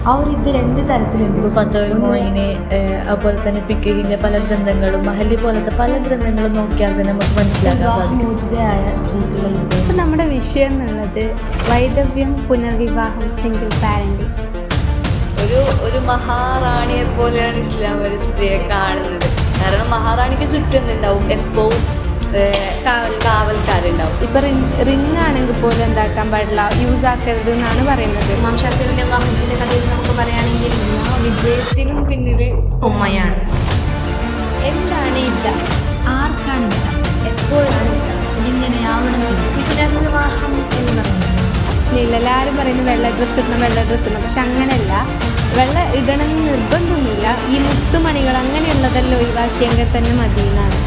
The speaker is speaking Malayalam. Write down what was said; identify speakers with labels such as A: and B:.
A: ആ ഒരു ഇത് രണ്ട് തരത്തിലുണ്ട്.
B: ഇപ്പോൾ ഫത്തുൽ മുഈന് അതുപോലെ തന്നെ ഫിഖഹിന്റെ പല ഗ്രന്ഥങ്ങളും മഹല്ലി പോലത്തെ പല ഗ്രന്ഥങ്ങളും നോക്കിയാൽ തന്നെ നമുക്ക് മനസ്സിലാക്കാൻ സാധിക്കും.
A: മോചിതയായ സ്ത്രീകളുടെ ഇത്.
C: ഇപ്പം നമ്മുടെ വിഷയം എന്നുള്ളത് വൈദവ്യം, പുനർവിവാഹം, സിംഗിൾ പാരന്റിങ്.
B: ഒരു മഹാറാണിയെ പോലെയാണ് ഇസ്ലാം ഒരു സ്ത്രീയെ കാണുന്നത്. കാരണം മഹാറാണിക്ക് ചുറ്റും എന്തുണ്ടാവും, എപ്പോഴും കാവൽക്കാരുണ്ടാവും.
C: ഇപ്പൊ റിംഗ് ആണെങ്കിൽ പോലും എന്താക്കാൻ പാടില്ല, യൂസ് ആക്കരുത് എന്നാണ് പറയുന്നത്.
A: ഇമാം ഷാഫിഈന്റെ വിവാഹത്തിന്റെ കഥയിൽ നമുക്ക് പറയുകയാണെങ്കിൽ വിജയത്തിനും പിന്നിൽ ഉമ്മയാണ്.
C: എന്താണ് ഇല്ല,
A: ആർക്കാണ് ഇല്ല, എപ്പോഴാണ് ഇല്ല, എങ്ങനെയാവണമെന്നില്ല. പുനർവിവാഹം എന്ന് പറയുന്നത്
C: എല്ലാവരും പറയുന്നത് വെള്ള ഡ്രസ്സ് ഇടണം, പക്ഷെ അങ്ങനെയല്ല. വെള്ള ഇടണമെന്ന് നിർബന്ധമൊന്നുമില്ല. ഈ മുത്തുമണികൾ അങ്ങനെയുള്ളതെല്ലാം ഒഴിവാക്കിയെങ്കിൽ തന്നെ മതിയെന്നാണ്.